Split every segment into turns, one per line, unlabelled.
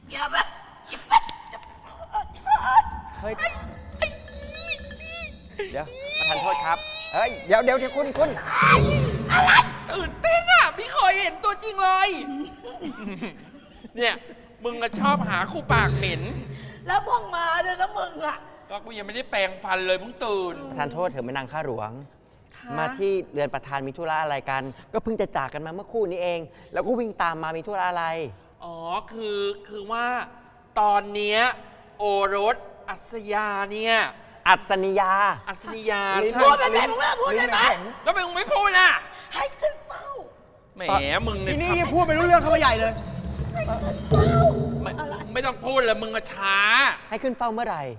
อย่าไป
เฮ้ยเดี๋ยวประธานโทษครับเฮ้ยเดี๋ยวคุณ
ตื่นเต้นอ่ะไม่เคยเห็นตัวจริงเลย เนี่ยมึงก็ชอบหาคู่ปากเหม็น
แล้วพ่องมาด้วยนะมึงอ่ะ
ก็กูยังไม่ได้แปรงฟันเลยมึงตื่น
ประธานโทษเถอะแม่นางข้าหลวง
ค่ะ
มาที่เรือนประธานมีธุระอะไรกัน ก็เพิ่งจะจากกันมาเมื่อครู่นี้เอง แล้วก็วิ่งตามมามีธุระอะไร
อ๋อคือว่าตอนเนี้ยโอรสอัศยาเนี่ย
อัศนียา
อัศนียา
ลิ้น
ใช่
พูดไปไหมมึงเลิกพูดได้ไหม
แล้วทำไมมึงไม่พูดล่ะ
ให้ขึ้นเฝ้า
แหมมึง
ที
เนี่ย
นี่พูดไปรู้เรื่องเข้ามาใหญ่เลย
ไม่ต้องพูดเลยมึงก็ช้า
ให้ขึ้นเฝ้าเมื่อไหร่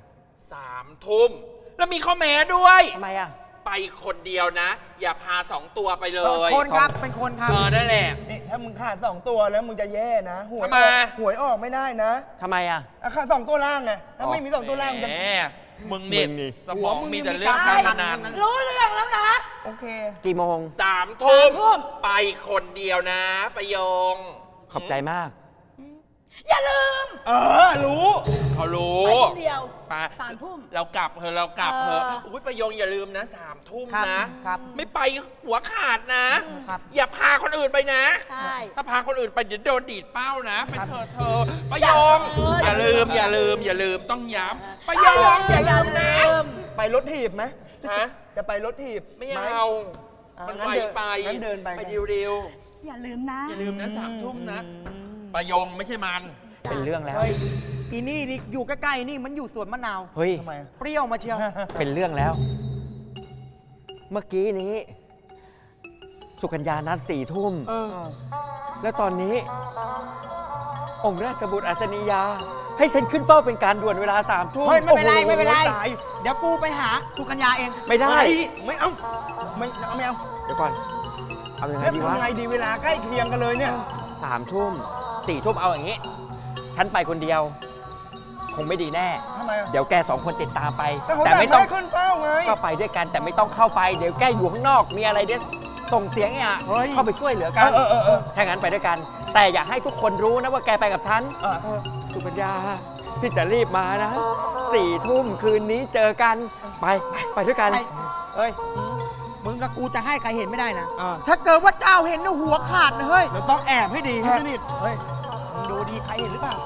3 ทุ่มแล้วมีข้อแม้ด้วย
ทำไมอ่ะ
ไปคนเดียวนะ อย่าพา2 ตัวไปเลย
คนครับ เป็นคนครับ
นั่นแหละ
นี่ถ้ามึงขาด2 ตัวแล้วมึงจะแย่นะหวย
ทำไม
หวยออกไม่ได้นะ
ทำไมอ่ะ
ขาด2 ตัวล่างไงถ้าไม่มี2 ตัวล่างมึงจะ
แหมมึงนี่
มึงนี่
สมองมีแต่เรื่องการพนัน
รู้เรื่องแล้วนะ
โอเค
กี่โมง
3 ทุ่ม
3 ทุ่ม
ไปคนเดียวนะประโยง
ขอบใจมาก
อย่าลืม
รู้
เขารู้
ไปคนเดียว
ไป
3 ทุ่ม
เรากลับเถอะเรากลับเถอะ
เออ
อุ้ยประโยงอย่าลืมนะ3 ทุ่ม
ครับ
นะ
ครับ
ไม่ไปหัวขาดนะ
ครับ
อย่าพาคนอื่นไปนะ
ใช่
ถ้าพาคนอื่นไปเดี๋ยวโดนดีดเป้านะไปเถอะเธอประโยง
อ
อย่า
ย่าลื
ลืม
ม
อย่าลืมต้องย้ำประโยงอย่าลืมนะ
ไปรถถีบไหม
ฮะ
จะไปรถถีบ
ไม่
ห
เอา มัน
งั้น
ไว
เดิน
ไป
งั้นเดินไป
ไป
ไง
เร็ว
อย่าลืมนะ
ๆอย่าลืมนะ3 ทุ่มนะประโยงไม่ใช่มัน
เป็นเรื่องแล้ว
เฮ้ย อีนี่นี่อยู่ใกล้ๆนี่มันอยู่สวนมะนาว
เฮ้ย
ทำไม
เปรี้ยวมาเชียว
เป็นเรื่องแล้ว เมื่อกี้นี้ สุกัญญานัด4 ทุ่ม
เออ
แล้วตอนนี้ องค์ราชบุตรอัศนียา ให้ฉันขึ้นเฝ้าเป็นการด่วนเวลา3 ทุ่ม
เฮ้ย ไม่เป็นไร
โอ้โห
ไม่เป็นไร
ตาย
เดี๋ยวกูไปหาสุกัญญาเอง
ไม่ได้
ไม่เอา ไม่เอา
เดี๋ยวก่อน เอายังไง
เฮ้ย
ดีวะ
ทำไงดีเวลาใกล้เคียงกันเลยเนี่ย
3 ทุ่ม 4 ทุ่มเอาอย่างนี้ ฉันไปคนเดียว คงไม่ดีแน่
ทำไมอะ
เดี๋ยวแก2 คนติดตามไป
แต่ผม
แต่ไม่ต้อง
ให้ขึ้นเป้าไง
ก็ไปด้วยกันแต่ไม่ต้องเข้าไป เดี๋ยวแกอยู่ข้างนอก มีอะไรเดี๋ยวส่งเสียงอ่ะ
เฮ้ย
เข้าไปช่วยเหลือกัน
เออ
ถ้างั้นไปด้วยกัน แต่อยากให้ทุกคนรู้นะว่าแกไปกับฉัน
เออ
สุกัญญา พี่จะรีบมานะ 4 ทุ่มคืนนี้เจอกัน ไปด้วยกัน
ไอ้เฮ้ย มึงกับกูจะให้ใครเห็นไม่ได้นะ
อ่า
ถ้าเกิดว่าเจ้าเห็นนะหัวขาดนะเฮ้ย
เราต้องแอบให้ดีให้สนิทเฮ้ย
มึงดูดีใครเห็นหรือเปล่า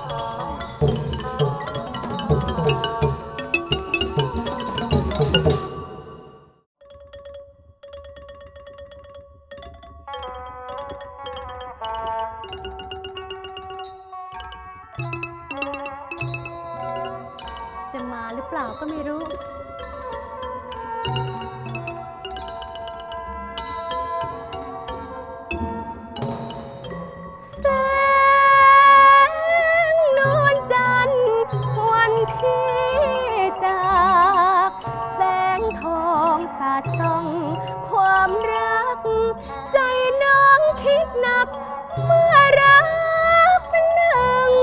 จะมาหรือเปล่าก็ไม่รู้ แสงนวลจันทร์วันพี่จาก แสงทองสาดส่องความรัก ใจน้องคิดหนัก เมื่อรักเป็นหนึ่ง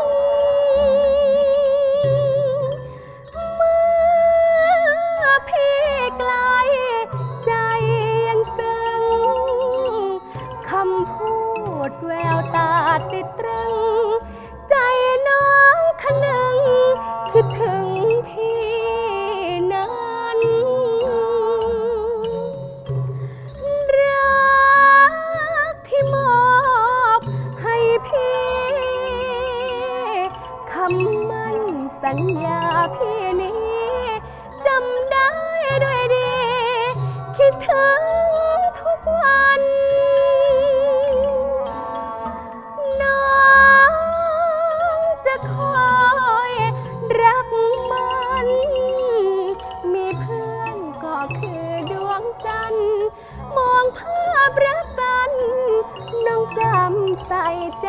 เมื่อพี่ไกลใจยังซึ้งคำพูดแววตาติดตรึง ใจน้องคะนึงคิดถึงพี่นั้นรักที่มอบให้พี่คำมั่นสัญญาพี่นี้จำได้ด้วยดี คิดถึงทุกวัน น้องจะคอยรักมัน มีเพื่อนก็คือดวงจันทร์ มองภาพรักกัน น้องจำใส่ใจ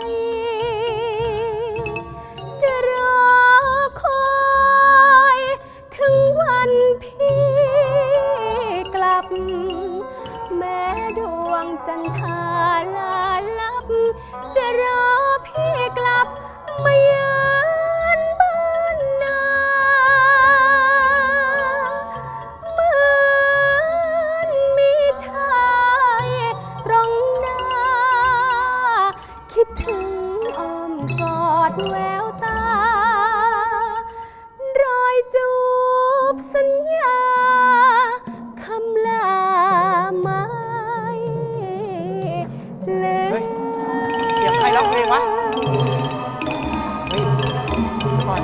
จะรอคอยถึงวันพี่กลับ แม้ดวงจันทราลาลับ จะรอพี่กลับมาเยือนบ้านนาเหมือนมีชายตรงหน้า คิดดแววตา รอยจูบสัญญาคำลาไม่เลย
เสียงใครร้องเพลงวะ
เฮ้ยเดี๋ยวก่อน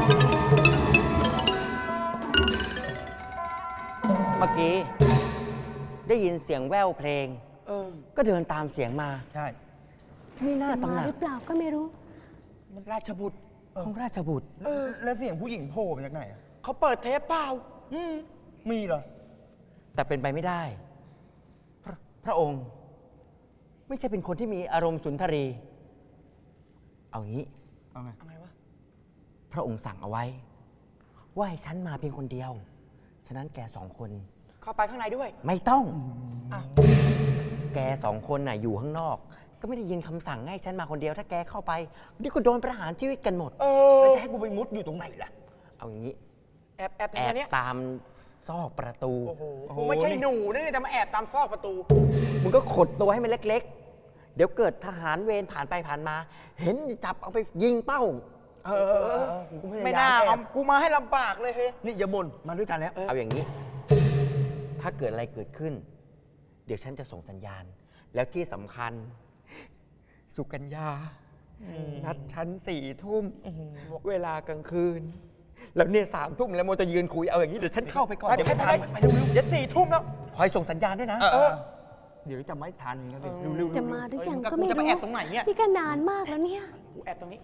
เมื่อกี้ ได้ยินเสียงแว่วเพลง ก็เดินตามเสียงมา
ใช่
นี่หน้า
จะ
ตำ
มา
หนัก
หรือเปล่าก็ไม่รู้
มันราชบุตร
ของราชบุตร
แล้วเสียงผู้หญิงโผล่มาจากไหนอะ
เขาเปิดเทปเปล่า
มีเหรอ
แต่เป็นไปไม่ได้ พระองค์ ไม่ใช่เป็นคนที่มีอารมณ์สุนทรี เอางี้
เอาไง
อะไรวะ
พระองค์สั่งเอาไว้ ว่าให้ฉันมาเพียงคนเดียว ฉะนั้นแกสองคน
เข้าไปข้างในด้วย
ไม่ต้อง
อ้าว
แกสองคนน่ะอยู่ข้างนอก ก็ไม่ได้ยินคำสั่งให้ฉันมาคนเดียว ถ้าแกเข้าไปเดี๋ยวก็โดนประหารชีวิตกันหมด
แล้วจะให้กูไปมุดอยู่ตรงไหนล่ะ
เอาอย่างนี้
แอบ
แอ
ทาง
บ
เนี้ย
ตามซอกประตู
โอ้โหกูไม่ใช่หนูนี่จะมาแอบตามซอกประตู
มึงก็ขดตัวให้มันเล็กๆ เดี๋ยวเกิดทหารเวรผ่านไปผ่านมา เห็นจับเอาไปยิงเป้า
กูพยายาม
ไม่น่า
แอ
เอา
บ
กูมาให้ลำบากเลยเฮ้ย
นี่อย่าบ่นมาด้วยกันแล้ว
เอาอย่างนี้ ถ้าเกิดอะไรเกิดขึ้น เดี๋ยวฉันจะส่งสัญญาณ แล้วที่สำคัญ สุกัญญา นัดฉัน4 ทุ่ม เวลากลางคืน แล้วเนี่ย3 ทุ่มแล้วโมจะยืนคุย เอาอย่างนี้เดี๋ยวฉันเข้าไปก่อน
ไป
เดี๋ยวไม่ทัน
ไปเร็วๆเดี๋ยว4 ทุ่มแล้ว
คอยส่งสัญญาณด้วยนะ
เดี๋ยวจะไม่ทันครับ
เร็วๆ
จะมาหรือยัง
เฮ้ย
ก็ไม่
กูจะ
รู้
มาแอบตรงไหนเนี่ย
นี่ก็นานมากแล้วเนี่ย
กูแอบตรงนี้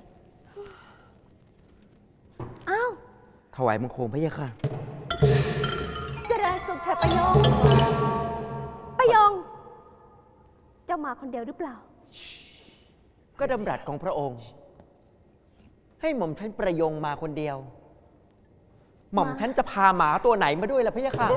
อ้าว
ถวายบังคมพระเยาค่ะ
เจริญสุขเถอะประยง ประยง เจ้ามาคนเดียวหรือเปล่า
ก็ดำรัสของพระองค์ ให้หม่อมฉันประยงมาคนเดียว หม่อมฉันจะพาหมาตัวไหนมาด้วยล่ะพระเยาค่ะ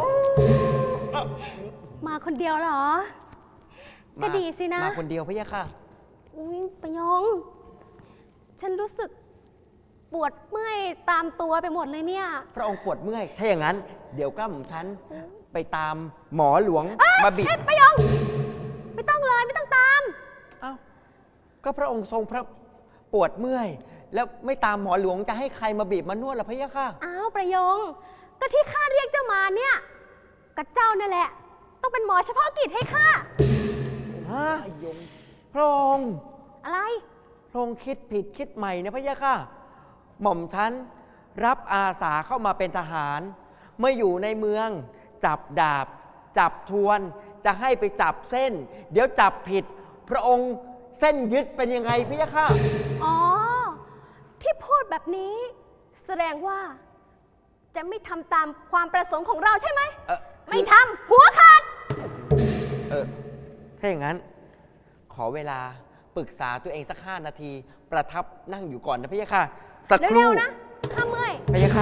มาคนเดียวเหรอ ก็ดีสินะ
มาคนเดียวพระเยาค่ะ
อุ๊ยประยง ฉันรู้สึกปวดเมื่อยตามตัวไปหมดเลยเนี่ย
พระองค์ปวดเมื่อย ถ้าอย่างนั้น เดี๋ยวก็หม่อมฉันไปตามหมอหลวงมาบิด
เอ๊ะประยง ไม่ต้องเลยไม่ต้องตาม
เอ้า ก็พระองค์ทรงพระปวดเมื่อย แล้วไม่ตามหมอหลวงจะให้ใครมาบีบมานวดล่ะพระเยาค่ะ
อ้าวประยง ก็ที่ข้าเรียกเจ้ามาเนี่ยก็เจ้านั่นแหละ ต้องเป็นหมอเฉพาะกิจให้ข้า
ฮะพระองค์
อะไร
พระองค์คิดผิดคิดใหม่นะพระเยาค่ะ หม่อมฉันรับอาสาเข้ามาเป็นทหาร เมื่ออยู่ในเมืองจับดาบ จับทวน จะให้ไปจับเส้น เดี๋ยวจับผิด พระองค์เส้นยึดเป็นยังไงพระเยาค่ะ
อ๋อ ที่พูดแบบนี้ แสดงว่า จะไม่ทำตามความประสงค์ของเราใช่ไหม ไม่ทำหัวขาด
ถ้าอย่างนั้น ขอเวลาปรึกษาตัวเองสัก5 นาที ประทับนั่งอยู่ก่อนนะพระเยาค่ะ สักค
เร็
รู่
วๆนะ ข้าเมื่อย
พระยาค่ะ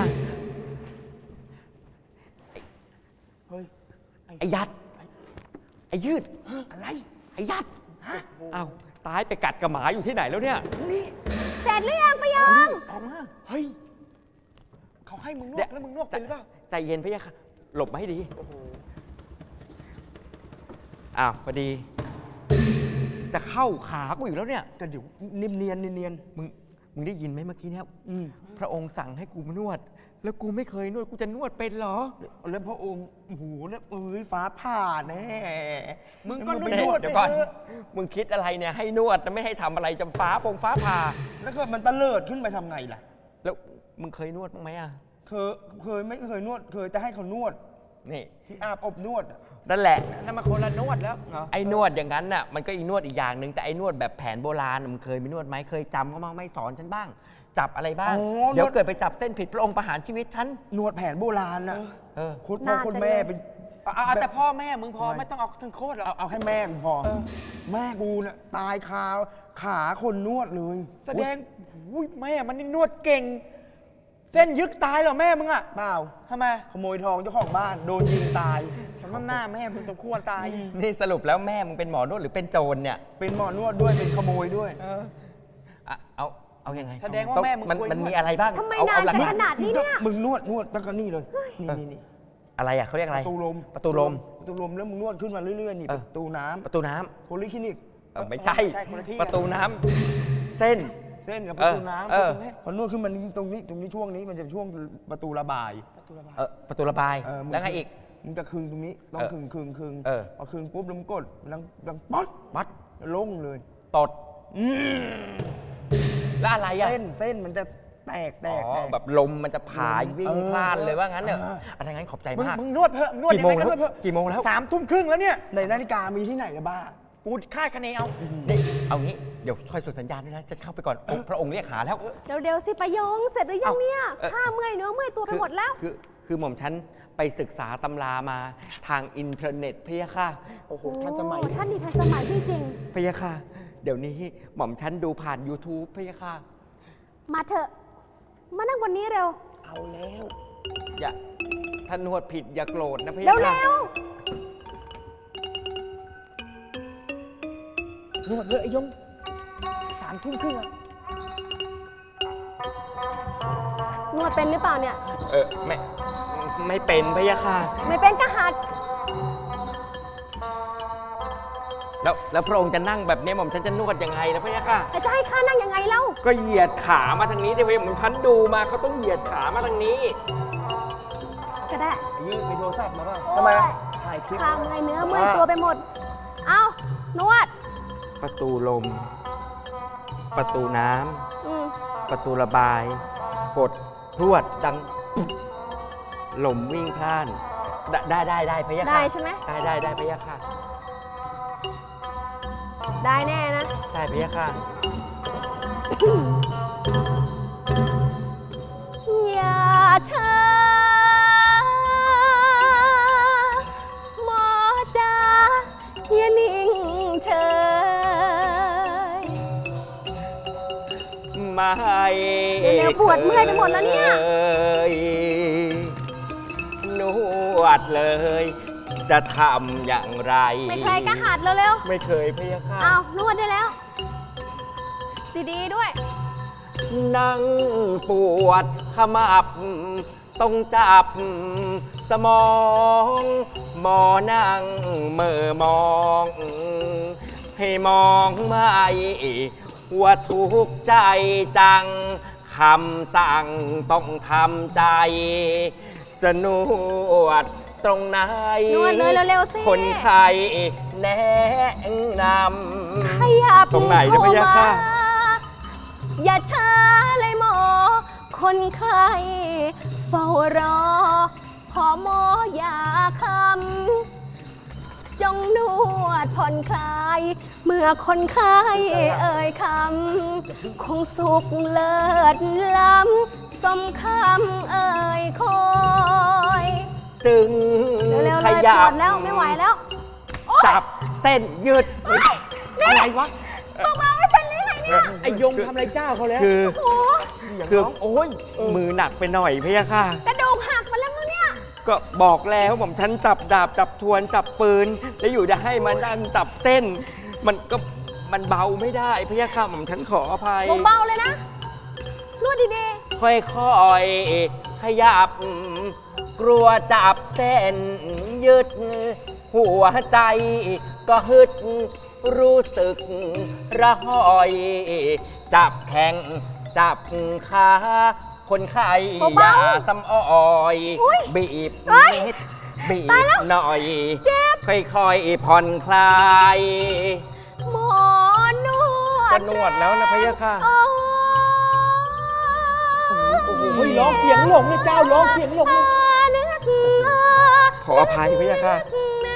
เฮ้ย
ไอ้ยัด ไอ้ยืด
อะไร
ไอ้ยัดเอ้าตายไปกัดกับหมาอยู่ที่ไหนแล้วเนี่ย
เสร็จหรือยังประยง
ออกมา
เฮ้ย เขาให้มึงนวดแล้วมึงนวดเป็นหรือเปล่า
ใจเย็นพระยาค่ะ หลบมาให้ดี อ้าวพอดี จะเข้าขากูอยู่แล้วเนี่ย
ก็เดี๋ยวเนียนเนียน
มึงได้ยินไหมเมื่อกี้เนี่ย พระองค์สั่งให้กูมานวด แล้วกูไม่เคยนวด กูจะนวดเป็นเหรอ
แล้วพระองค์โอ้โหแล้วฟ้าผ่าแน่
มึงก็
ไป
นวด
เดี๋ยวก่อน มึงคิดอะไรเนี่ยให้นวดนะไม่ให้ทำอะไรจะฟ้าผ่า
แล้วเกิดมันตะเลิดขึ้นไปทำไงล่ะ
แล้วมึงเคยนวดบ้างไหมอ่ะ
เคยไม่เคยนวด เคยแต่ให้เขานวด
นี่
ที่อาบอบนวดอะ
นั่นแหละ
นั่นมาคนละนวดแล้ว
เหรอ
ไอ้นวดอย่างนั้นน่ะมันก็อีนวดอีกอย่างหนึ่งแต่ไอ้นวดแบบแผนโบราณน่ะมึงเคยไปนวดไหมเคยจำเขาบ้างไหม่สอนฉันบ้าง จับอะไรบ้าง
อ๋อ
เดี๋ยวน
วด
เกิดไปจับเส้นผิดพระองค์ประหารชีวิตฉัน
นวดแผนโบราณนะ
เออ
คุณพ่อ
น่า
คุณ
จะ
แม่
เลย
เป็น
เอาแต่พ่อแม่มึงพอ
ทำไม
ไม่ต้องเอาทั้งโคตรหรอก
เอาแค่แม่กูพอ แม่กูน่ะตายขาคนนวดเลย
แสดงอุ้ยแม่มันนี่นวดเก่ง เส้นยึกตายเหรอแม่มึงอ่ะ
เปล่า
ทำไม
ขโมยทองเจ้าของบ้านโดนยิงตาย
สำนักหน้าแม่มึงสมควรตาย
นี่สรุปแล้วแม่มึงเป็นหมอนวดหรือเป็นโจรเนี่ย
เป็นหมอนวดด้วยเป็นขโมยด้วย
อ่ะเอายังไง
แสดงว่าแม่มึง
มัน
เคย
มัน
นวด
มีอะไรบ้าง
ทำไม
เอ
นาน
หลัก
จะ
ๆ
ขนาดนี้เนี่ย
มึงนวดตั้งแต่นี่เลย นี่
อะไรอ่ะเขาเรียกอะไร
ประตูลม
ประตูลม
ประตูลมแล้วมึงนวดขึ้นมาเรื่อยๆนี่
เออ
ประตูน้ำ
ประตูน้ำ
โพลิคลินิก
ไม่ใช่
ใช่คนละที่
ประตูน้ำเส้น
เส้นกับประตูน้ำ
เออ
พอนวดขึ้นมันตรงนี้ช่วงนี้มันจะช่วงประตูระบาย
ประตูระบาย
มึง
แล้วไงอีก
มึงจะคึงตรงนี้ต้องคึง พอคึงปุ๊บแล้วมึงกดดังป๊อด
มัด
ลงเลย
ตดแล้วอะไรอ่ะ
เส้นมันจะแตก
อ๋อแบบลมมันจะผายวิ่งพล่านเลยว่างั้นเนอะอะไรงั้นขอบใจมาก
มึงนวดเถอะนวด
กี่โมง
ยั
แล้ว
ไนวดเถอะ
กี่โมงแล้ว
3:30แล้วเนี่ยในนาฬิกามีที่ไหนละบ้า
กูคาดคะเนเอานี่เอางี้เดี๋ยวคอยส่งสัญญาณด้วยนะจะเข้าไปก่อนพระองค์เรียกหาแล้ว
เร็วๆสิประยงเสร็จหรือยังเนี่ย
เอ้า
ข้าเมื่อยเนื้อเมื่อยตัวไปหมดแล้ว
คือหม่อมฉันไปศึกษาตำรามาทางอินเทอร์เน็ตพะยะค่ะ
โอ้โหทันสมัย
โอ้ท่านนี่ทันสมัยจริง
พะยะค่ะ เดี๋ยวนี้หม่อมฉันดูผ่าน YouTube พะยะค่ะ
ๆ มาเถอะ มานั่งบนนี้เร็ว
เอาแล้ว
อย่าท่านนวดผิดอย่าโกรธนะพะยะ
เร็ว
ค่ะ
นวดเลยไอ้ยง3:30แล้ว
ๆ นวดเป็นหรือเปล่าเนี่ย
ไม่เป็นพะยะค่ะ
ไม่เป็นก็หัด
แล้วพระองค์จะนั่งแบบนี้หม่อมฉันจะนวดยังไงนะพะยะค่ะ
แล้วจะให้ข้านั่งยังไงเล่า
ก็เหยียดขามาทางนี้ที่พะยะหม่อมฉันดูมาเขาต้องเหยียดขามาทางนี้
ก็ได้
ยืดมีโทรศัพท์มาป่ะ
ทำไม
ถ่ายคลิป
ข้าเมื่อยเนื้อเมื่อยตัวไปหมด เอานวด
ประตูลม ประตูน้
อืม
ำประตูระบาย กดพรวดดังปุ๊บลมวิ่งพล่าน ได้พะยะค่ะ
ได้ใช่ไหม
ได้พะยะค่ะ
ได้แน่นะ
ได้พะยะค่ะ
อย่าช้าหมอจ๋าอย่านิ่งเฉย
ไม่
เร็วๆปวดเมื่อยไปหมดแล้วเนี่ย
ยนวดเลย จะทำอย่างไร
ไม่เคยก็หัดเร็ว
ไม่เคยพะยะค่ะ
ๆเอานวดได้แล้ว ดีๆด้วย
นั่งปวดขมับ ต้องจับสมอง หมอนั่งเมื่อมอง ให้มองไม่ว่าทุกข์ใจจัง คำสั่งต้องทำใจ จะนวดตรงไหน
นวดเลยเร็วๆสิ
คนไข้แนะนำ
ขยับ
ตรงไหนนะพะยะค่ะ
เข้ามาอย่าช้าเลยหมอ คนไข้เฝ้ารอ พอหมออย่าคำจงนวดผ่อนคลาย เมื่อคนไข้เอ่ยคำคงสุขเลิศล้ำสมคำเอ่ยคอย
จึง
เร็วๆ
ข
เลยป
ยั
ว
บ
ดแล้วไม่ไหวแล้วโอ๊ย
จับเส้นยืด
อะไรวะ
เบาๆไม่เป็นไรไงเนี่ย
ไอ้ยงทำอะไรเจ้าเขาแล้ว
คือ
โอ้โห
อย่าง
คือ
น้องโอ้ย
มือหนักไปหน่อยพะยะค่ะ
กระดูกหักมาแล้วมั้งเนี่ย
ก็บอกแล้วผมฉันจับดาบจับทวนจับปืน แล้วอยู่จะให้มานั่งจับเส้น มันเบาไม่ได้พะยะค่ะผมฉันขออภัย
เบาๆเลยนะ นวดดี
ค่อยๆขยับ กลัวจับเส้นยึด หัวใจก็ฮึด รู้สึกระหอย จับแข้งจับขาคนไข้อย่าซ้ำอ้อยบีบนิดบีบหน่อย
ๆ เจ็บ
ค่อยๆผ่อนคลาย
หมอนวด
ก็นวดแล้วนะพะยะค่ะ
โอ้
โอ้โหเฮ้ยร้องเสียงหลงเลยเจ้าร้องเสียงหลงเลย
นึก
ขออภัยพะยะค่ะ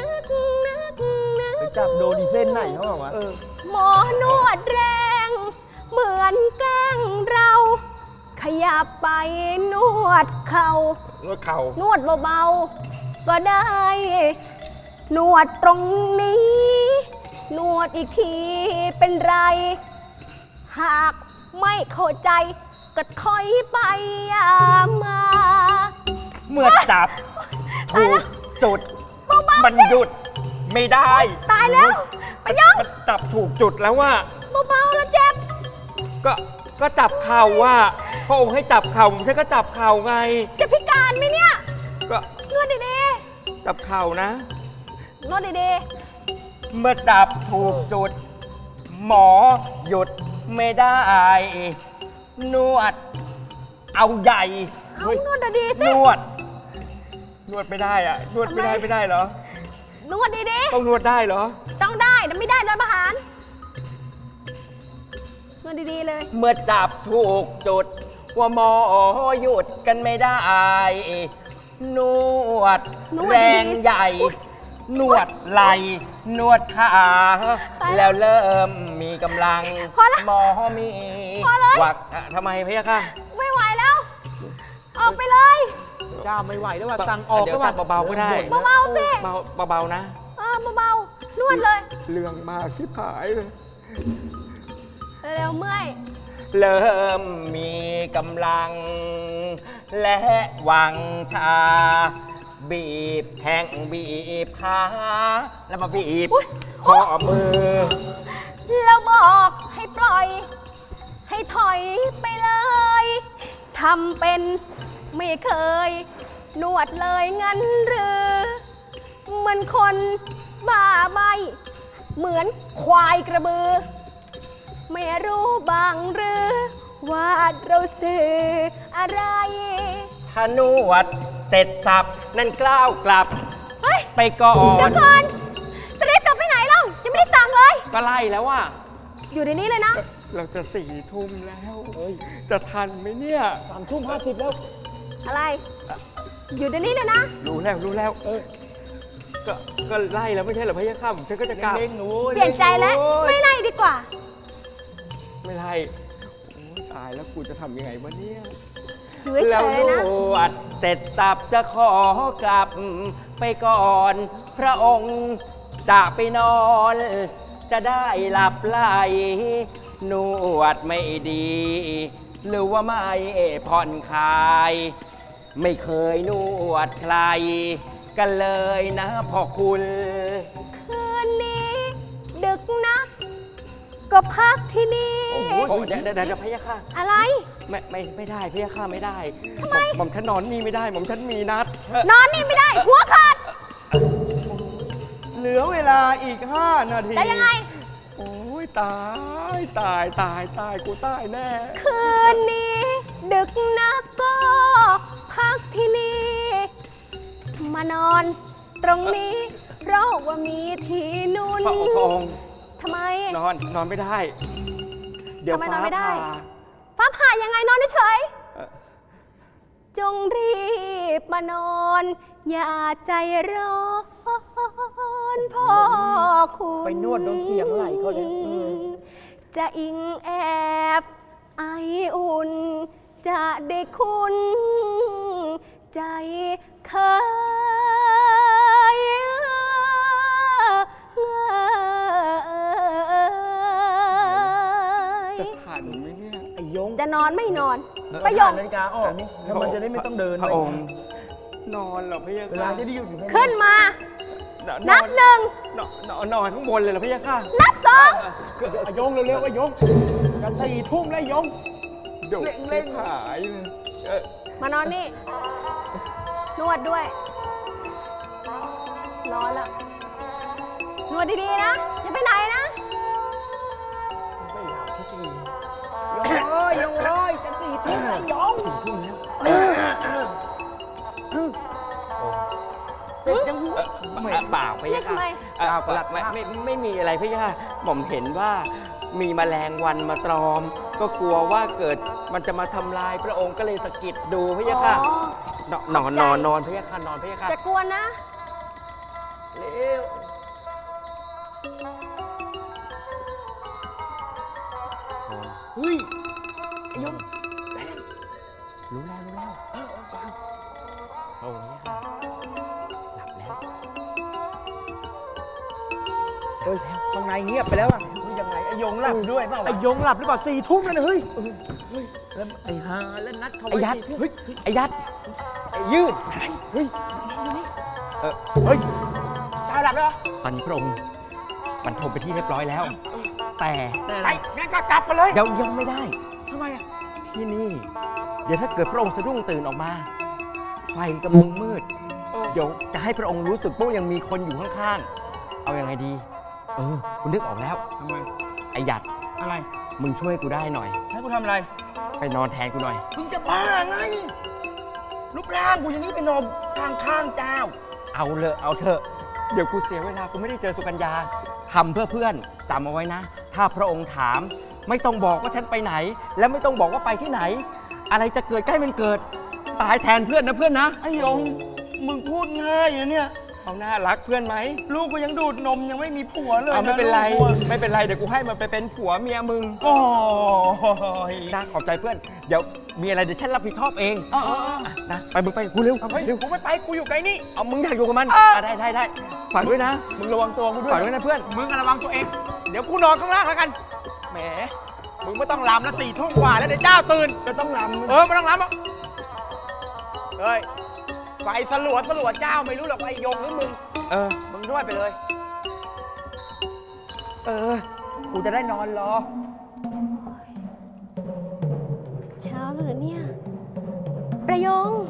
ไปจับโดนดีเส้นไหนเขาบอกว่า
หมอนวดแรง เหมือนแกล้งเรา ขยับไปนวดเข่า
นวดเข่า
นวดเบาๆ ก็ได้ นวดตรงนี้ นวดอีกทีเป็นไร หากไม่เข้าใจก็ถอยไปอย่ามา
เมื่อจับถูกจุด
เบาๆ
มัน
สิ
หยุดไม่ได้
ตายแล้วไปยอง
มันจับถูกจุดแล้วว่า
เบาๆแล้วเจ็บ
ก็จับเข่าว่าพระองค์ให้จับเข่าผมฉันก็จับเข่าไง
จะพิการไหมเนี่ย
ก็
นวดดี
จับเข่านะ
ๆ นวดดี
เมื่อจับถูกจุด หมอหยุดไม่ได้ นวด เอาใหญ่
เอานวดดีๆสิ
นวด นวดไม่ได้อะนวดไม่ได้
ทำไม
ไม่ได้เหรอ
นวดดี
ต้องนวดได้เหรอ
ๆ ต้องได้แต่ไม่ได้รัฐประหารนวดดีๆเลย
เมื่อจับถูกจุด ว่าหมอหยุดกันไม่ได้ นวด
นวด
แรง
ดีๆ
ใหญ่ นวดไหลนวดขา
ตายแล้ว
แล้วเริ่มมีกำลัง
พอละ
หมอมี
พอเลย
วักอ่ะทำไมพะยะค่ะ
ไม่ไหวแล้ว ออกไปเลย
เจ้าไม่ไหวแล้วว่าสั่งออก
เดี๋ยว
ก็ว่า
จับเบาๆก็ได้
เบาๆสิ
เบาๆนะ
เบาๆ นวดเลย
เรื่องมากที่ผายเลย
เร็วๆเมื่อย
เริ่มมีกำลัง และวังชา บีบแข้งบีบขาแล้วมาบีบ
อุ๊ย
ข้อมือ
แล้วบอกให้ปล่อย ให้ถอยไปเลยทำเป็นไม่เคย นวดเลยงั้นหรือเหมือนคนบ้าใบ เหมือนควายกระบือ ไม่รู้บางหรือ ว่าเราสื่ออะไร
ถ้านวดเสร็จสับ นั่นกล้าวกลับ
เฮ้ย
ไปก่อ
เดี๋ย
น
วก่อนจะรีบกลับไปไหนเล่าจะไม่ได้สั่งเลย
ก็ไล่แล้วว่า
อยู่ในนี้เลยนะ
เราจะ4 ทุ่มแล้ว จะทันไหมเนี่ย
3:50 แล้ว
อะไร อยู่ในนี้เลยนะ
รู้แล้วก็ไล่แล้วไม่ใช่เหรอพะยะค่ะฉันก็จะกลับ
เล่งๆหนู
เปลี่ยนใจแล้ว ไม่ไล่ดีกว่า
ไม่ไล่โอ้ยตายแล้วกูจะทำยังไงวะเนี่ย
อยู่เฉ
แล้ว
ยๆเลย
น
นะ
วดเสร็จสับจะขอกลับไปก่อน พระองค์จะไปนอน จะได้หลับไหลนวดไม่ดี หรือว่าไม่ผ่อนคลาย ไม่เคยนวดใคร กันเลยนะพ่อคุณ
คืนนี้ ดึกนัก ก็พักที่นี่
โอ้โหเดี๋ยวพะยะค่ะ
อะไร
ไม่ได้พะยะค่ะไม่ได้
ทำไม
หม่อมฉันนอนนี่ไม่ได้หม่อมฉันมีนัด
นอนนี่ไม่ได้ หัวขาด
เหลือเวลาอีก 5 นาที
แต่ยังไง
โอ้ยตายกูตายแน่
คืนนี้ ดึกนักก็พักที่นี่ มานอนตรงนี้ เพราะว่ามีที่นุ่น
พระองค์
ทำไม
นอนไม่ได้ เดี๋ยว
ทำไมนอ
ฟ้าน
ไม่ได้
ผ่า
ฟ้าผ่ายังไงนอนเฉย
เอ่อ
จงรีบมานอน อย่าใจร้อนพ่อคุณ
ไปนวดโดนเสียงไหลเขาเลย
จะอิงแอบไออุ่น จะได้คุณใจเคย
จะทันไหมเนี่ย
ไอ้ยง
จะนอนไม่นอน
ประ
ประ
โย
โย
ค
ค
นาฬิกาออกนี่แล้วมันจะได้ไม่ต้องเดิน
พระ
ไป
องค์ นอนเหรอพะยะ
เวลา
ค่ะ
จะได้หยุดอยู่แค่
ขึ้นมา
นอน
นับหนึ่ง
นอนข้างบนเลยเหรอพะยะค่ะ
นับสอง
ไอ้ยงเร็วๆไอ้ยงจะ4 ทุ่มแล้วไอ้ยง
เดี๋ยวเล่งหายเลย
มานอนนี่ นวดด้วย นอนแล้ว นวดดีๆนะ อย่าไปไหนนะ
ไม่หลับสักที
โอ้ยยงโอ้ยจะ4 ทุ่มแล้วยง
4 ทุ่มแล้ว
เสร็จยังรู้
เปล่าพะยะค่ะ
เรียกทำไม
เปล่าไม่มีอะไรพะยะค่ะหม่อมเห็นว่ามีแมลงวันมาตรอม ก็กลัวว่าเกิดมันจะมาทำลายพระองค์ก็เลยสะกิดดูพะยะค่ะ
อ๋อ
นอนพะยะค่ะนอนพะยะค่ะ
จะกวนนะ
เร็ว
เฮ้ยไอ้ยง
รู้แล้วโอ้ยค่ะหลับแล้ว
เฮ้ยข้างในเงียบไปแล้วอ่ะ
มึงยังไงไอ้ยงหลับด้วยเปล่าวะ
ไอ้ยงหลับหรือเปล่า4 ทุ่มแล้วนะเฮ้ย
แล้ว
ไอ้ฮาแล้วนัดเขา
ไอ้
ไว้
ยัด
4 ทุ่ม
ไอ้ยัดไอ้ยืด
เฮ้ย
เฮ้ย
เจ้าหลับแล้ว
ตอนนี้พระองค์บรรทมไปที่เรียบร้อยแล้ว แต่
แต่
ไปงั้นก็กลับไปเลย
เดี๋ยวยังไม่ได้
ทำไมอ่ะ
ที่นี่ เดี๋ยวถ้าเกิดพระองค์สะดุ้งตื่นออกมา ไฟกำลังมืด เดี๋ยวจะให้พระองค์รู้สึกว่ายังมีคนอยู่ข้างๆ เอาอยัางไงดี คุณนึกออกแล้ว
ทำไม
ไอ้หยัด
อะไร
มึงช่วยกูได้หน่อย
ให้กูทำอะไร
ไปนอนแทนกูหน่อย
มึงจะบ้าไงรูปร่างกูอย่างนี้ไปนอนข้างเจ้า
เอาเถอะ เดี๋ยวกูเสียเวลา กูไม่ได้เจอสุกัญญาทำเพื่อเพื่อนจำเอาไว้นะ ถ้าพระองค์ถาม ไม่ต้องบอกว่าฉันไปไหน และไม่ต้องบอกว่าไปที่ไหน อะไรจะเกิดใกล้มันเกิด ตายแทนเพื่อนนะเพื่อนนะ
ไอ้หยงมึงพูดง่ายนะเนี่ย
เอาหน้ารักเพื่อนไหม
ลูกกูยังดูดนมยังไม่มีผัวเลย
เอาไม่เป็นไร
ลูกกูอะ
ไม่เป็นไร เดี๋ยวกูให้มันไปเป็นผัวเมียมึง
โอ้ย
นะขอบใจเพื่อน เดี๋ยวมีอะไรเดี๋ยวฉันรับผิดชอบเอง
เออ
นะ ไปมึงไปกับกูเร็ว
เอาไป
เร็ว
กูไม่ไปกูอยู่ไกลนี่
เอามึงอยากอยู่กับมันได้ฝากด้วยนะ
มึงระวังตัวกูด้วย
ฝากด้วยนะเพื่อน
มึงอะระวังตัวเอง เดี๋ยวกูนอนข้างล่างแล้วกัน แหม มึงไม่ต้องลำแล้ว4 ทุ่มกว่าแล้วเดี๋ยวเจ้าตื่น
จะต้องรำ
ไม่ต้องลำอ่ะเฮ้ย ไฟสลัวเจ้าไม่รู้หรอกว่าไอ้ยงหรือมึง มึงด้วยไปเลย กูจะได้นอนรอ
เช้าแล้วเหรอเนี่ย ประยง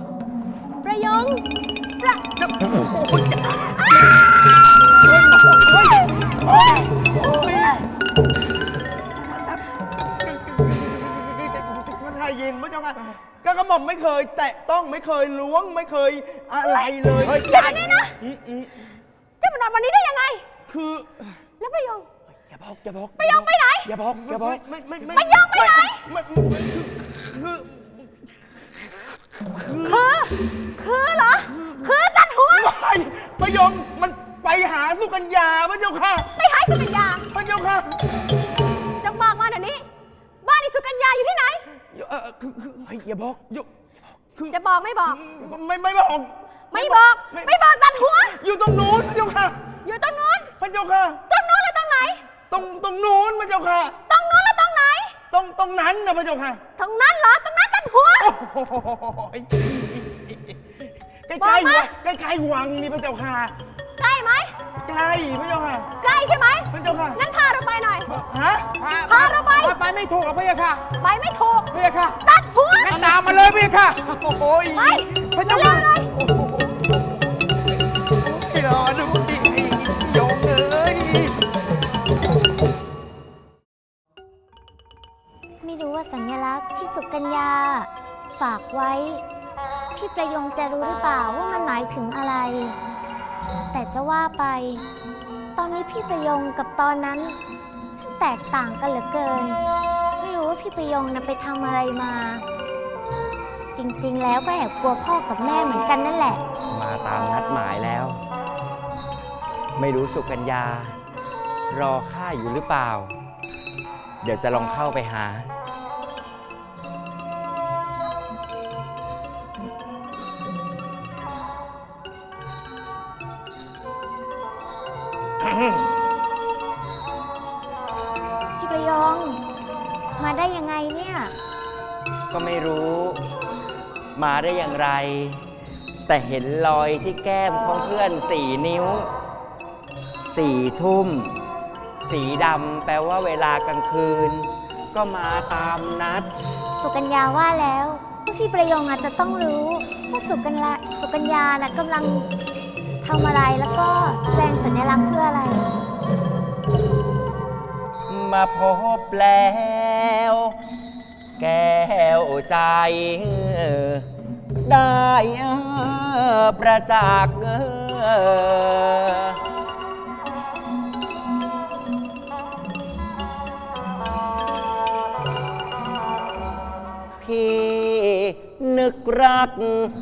มันไทยยินพระเจ้าค่ะก็กระหม่อมไม่เคย แตะต้องไม่เคยล้วงไม่เคยอะไรเลย
อย่านี้นะจะมานอนวันนี้ได้ยังไง
คือ
แล้วประยง
อย่าบอก
ประยงไปไหน
อย่าบอกไม่
ประยงไปไหน
คือ
คือเหรอ คือตัดหัว
ไม่ประยงมันไปหาสุกัญญาพระเจ้าค่ะ
ไปหาสุกัญญา
พระเจ้าค่ะ
จงบอกมาเดี๋ยวนี้ บ้านอีสุกัญญาอยู่ที่ไหน
อย่าบอกคือ
จะบอกไม่บอก
ไม่บอก
ไม่บอกตัดหัว
อยู่ตรงนู้นพระเจ้าค่ะ
อยู่ตรงนู้น
พระเจ้าค่ะ
ตรงนู้นหรือตรงไหน
ตรงนู้นพระเจ้าค่ะ
ตรงนู้นหรือตรงไหน
ตรงนั้นนะพระเจ้าค่ะ
ตรงนั้นเหรอ ตรงนั้นตัดหัว
ใกล้
บอกมา
ใกล้วังนี่พระเจ้าค่ะ
ใกล้ไหม
ใกล้พระเจ้าค่ะ
ใกล้ใช่ไหม
พระเจ้าค่ะ
งั้นพาเราไปหน่อย
ฮะ
พาเราไป
ไปไม่ถูกหรอกพี่ค่ะ
ไปไม่ถูก
พี่ค่ะ
ตัดหัว
งั้นตามมาเลยพี่ค่ะ
โอ้ย
ไป
พระเจ้า
เร็
ค่ะ
วเลย
รอดูดิโยงเอ้ย
ไม่รู้ว่าสัญลักษณ์ที่สุกัญญาฝากไว้ พี่ประยงจะรู้หรือเปล่าว่ามันหมายถึงอะไร แต่จะว่าไป ตอนนี้พี่ประยงกับตอนนั้นช่างแตกต่างกันเหลือเกิน ไม่รู้ว่าพี่ประยงน่ะไปทำอะไรมา จริงๆแล้วก็แอบกลัวพ่อกับแม่เหมือนกันนั่นแหละ
มาตามนัดหมายแล้ว ไม่รู้สุกัญญารอข้าอยู่หรือเปล่า เดี๋ยวจะลองเข้าไปหา
พี่ประยง มาได้ยังไงเนี่ย
ก็ไม่รู้มาได้อย่างไร แต่เห็นรอยที่แก้มของเพื่อน4 นิ้ว 4 ทุ่ม สีดำแปลว่าเวลากลางคืน ก็มาตามนัด
สุกัญญาว่าแล้วว่าพี่ประยงอาจจะต้องรู้ว่าสุกัญญาน่ะกำลังทำอะไรแล้วก็แสดงสัญลักษณ์เพื่ออะไร
มาพบแล้ว แก้วใจ ได้ประจักษ์พี่นึกรัก